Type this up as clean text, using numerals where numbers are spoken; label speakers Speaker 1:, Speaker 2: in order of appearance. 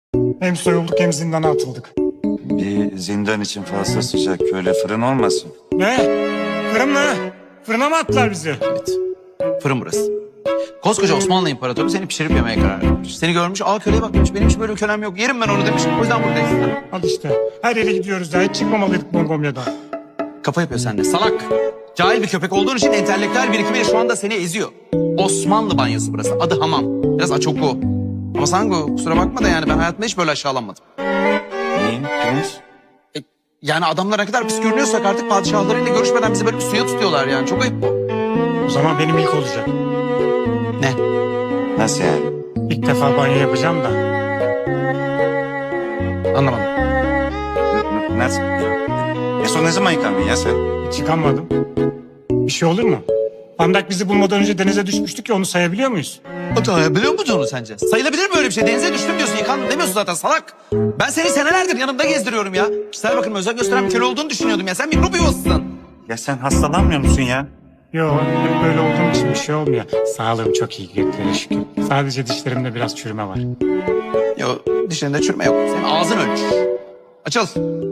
Speaker 1: Hem soyulduk hem zindana atıldık.
Speaker 2: Bir zindan için fazla sıcak. Öyle fırın olmasın.
Speaker 1: Ne? Fırın mı? Fırına mı attılar bizi?
Speaker 3: Evet. Fırın burası. Koskoca Osmanlı İmparatoru seni pişirip yemeye karar vermiş. Seni görmüş, aa köleye bak demiş, benim hiç böyle kölem yok. Yerim ben onu demiş, o yüzden buradayız.
Speaker 1: Al işte. Her yere gidiyoruz ya. Hiç çıkmamalıydık Mongomya'dan.
Speaker 3: Kafa yapıyor sende, salak. Cahil bir köpek olduğun için entelektüel birikimiyle şu anda seni eziyor. Osmanlı banyosu burası, adı hamam. Biraz açoku. Ama Sango, kusura bakma da yani ben hayatımda hiç böyle aşağılanmadım.
Speaker 2: Niye? Prens?
Speaker 3: Yani adamlar ne kadar pis görünüyorsak artık padişahlarıyla görüşmeden bizi böyle bir suya tutuyorlar yani. Çok ayıp bu.
Speaker 1: O zaman benim ilk olacak.
Speaker 3: Ne?
Speaker 2: Nasıl yani?
Speaker 1: İlk defa banyo yapacağım da.
Speaker 3: Anlamadım.
Speaker 2: Nasıl? Son ne zaman yıkandın ya sen?
Speaker 1: Hiç yıkanmadım. Bir şey olur mu? Pandak bizi bulmadan önce denize düşmüştük ya, onu sayabiliyor muyuz?
Speaker 3: Hata biliyor musun onu sence? Sayılabilir mi öyle bir şey? Denize düştüm diyorsun, yıkandım demiyorsun zaten salak. Ben seni senelerdir yanımda gezdiriyorum ya. Kişisel bakımı özen gösteren bir köle olduğunu düşünüyordum ya. Sen mikrop yuvasısın.
Speaker 2: Ya sen hastalanmıyor musun ya?
Speaker 1: Yok, hep böyle olduğum için bir şey olmuyor. Sağlığım çok iyi, göklere şükür. Sadece dişlerimde biraz çürüme var.
Speaker 3: Yo, dişlerinde çürüme yok. Senin ağzın ölmüş. Açıl.